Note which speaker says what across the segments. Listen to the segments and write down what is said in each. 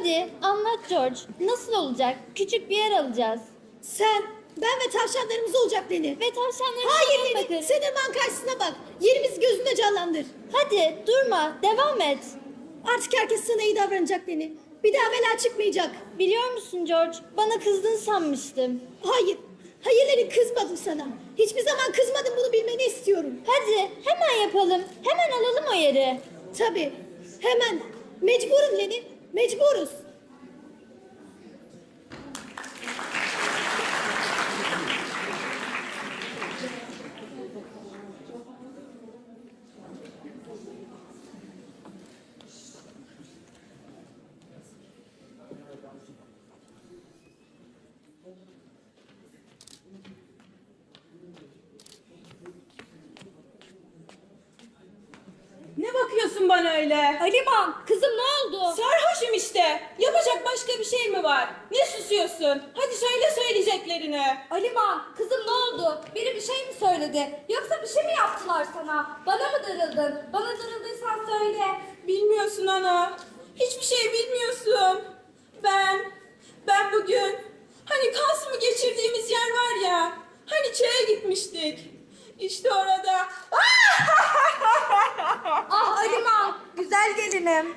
Speaker 1: Hadi anlat George. Nasıl olacak? Küçük bir yer alacağız.
Speaker 2: Sen, ben ve tavşanlarımız olacak Leni.
Speaker 1: Ve tavşanlarımıza
Speaker 2: Hayır
Speaker 1: bakın.
Speaker 2: Leni, sen hemen karşısına bak. Yerimizi gözünde canlandır.
Speaker 1: Hadi durma, devam et.
Speaker 2: Artık herkes sana iyi davranacak Leni. Bir daha bela çıkmayacak.
Speaker 1: Biliyor musun George? Bana kızdın sanmıştım.
Speaker 2: Hayır, hayır Leni, kızmadım sana. Hiçbir zaman kızmadım, bunu bilmeni istiyorum.
Speaker 1: Hadi hemen yapalım. Hemen alalım o yeri.
Speaker 2: Tabii, hemen. Mecburum Leni, mecburuz.
Speaker 3: Ne bakıyorsun bana öyle?
Speaker 1: Aliman, kızım ne oldu?
Speaker 3: Sarhoşum işte. Yapacak başka bir şey mi var? Ne susuyorsun? Hadi söyle söyleyeceklerini.
Speaker 1: Aliman, kızım ne oldu? Biri bir şey mi söyledi? Yoksa bir şey mi yaptılar sana? Bana mı darıldın? Bana darıldıysan söyle.
Speaker 3: Bilmiyorsun ana. Hiçbir şey bilmiyorsun. Ben bugün hani Kasım'ı geçirdiğimiz yer var ya. Hani çaya gitmiştik. İşte orada.
Speaker 1: Ah Aliman, güzel gelinim.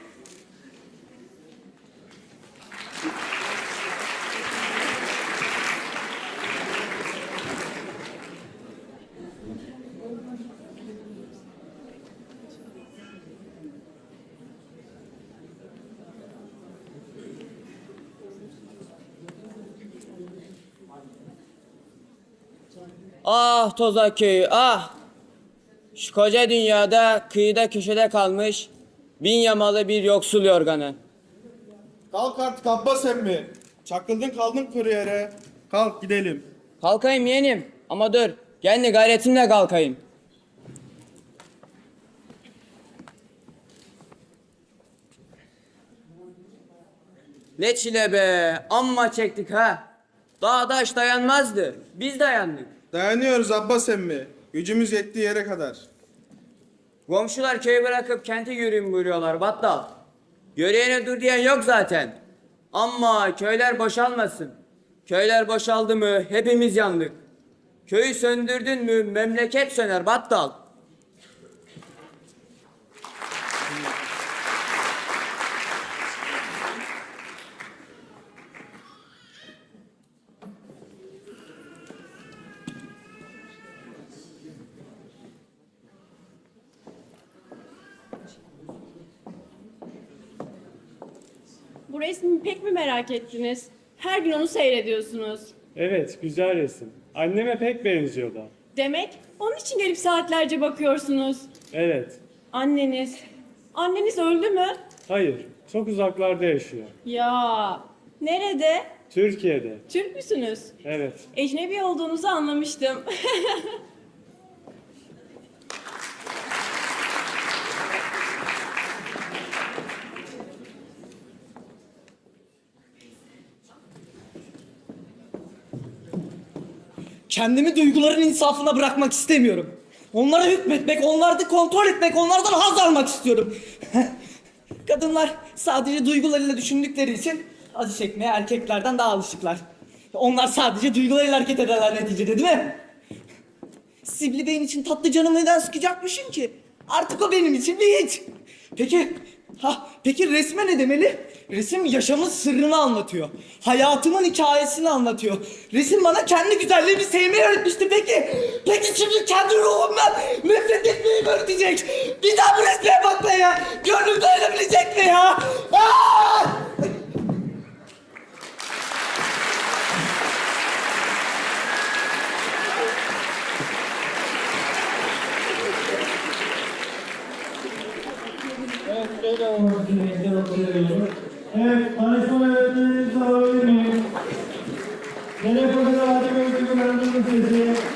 Speaker 4: Ah Tozak köyü ah! Şu koca dünyada kıyıda köşede kalmış bin yamalı bir yoksul yorganı.
Speaker 5: Kalk artık Abbas emmi. Çakıldın kaldın kuru yere. Kalk gidelim.
Speaker 4: Kalkayım yeğenim ama dur kendi gayretimle kalkayım. Ne çile be amma çektik ha. Dağdaş dayanmazdı biz dayandık.
Speaker 5: Dayanıyoruz Abbas emmi. Gücümüz yettiği yere kadar.
Speaker 4: Komşular köyü bırakıp kente yürüyün buyuruyorlar battal. Yürüyene dur diyen yok zaten. Ama köyler boşalmasın. Köyler boşaldı mı hepimiz yandık. Köyü söndürdün mü memleket söner battal.
Speaker 3: Bu resmi pek mi merak ettiniz? Her gün onu seyrediyorsunuz.
Speaker 6: Evet, güzel resim. Anneme pek benziyor da.
Speaker 3: Demek onun için gelip saatlerce bakıyorsunuz.
Speaker 6: Evet,
Speaker 3: Anneniz öldü mü?
Speaker 6: hayır, çok uzaklarda yaşıyor.
Speaker 3: Ya, nerede?
Speaker 6: Türkiye'de,
Speaker 3: Türk müsünüz?
Speaker 6: evet.
Speaker 3: Ecnebi olduğunuzu anlamıştım.
Speaker 7: Kendimi duyguların insafına bırakmak istemiyorum. Onlara hükmetmek, onları kontrol etmek, onlardan haz almak istiyorum. Kadınlar sadece duygularıyla düşündükleri için acı çekmeye erkeklerden daha alışıklar. Onlar sadece duygularıyla hareket ederler neticede, değil mi? Sibli Bey'in için tatlı canımı neden sıkacakmışım ki? Artık o benim için bir hiç. Peki resme ne demeli? Resim yaşamın sırrını anlatıyor. Hayatımın hikayesini anlatıyor. Resim bana kendi güzelliğimi sevmeyi öğretmişti. Peki şimdi kendi ruhumdan nefret etmeyi mi öğretecek? Bir daha bu resme bakmaya gönlüm dayanabilecek mi ya? Aa!
Speaker 8: Evet, tanışma öğretmeninizi alabilir miyim? Telefonda hadi gözlüğü sesi.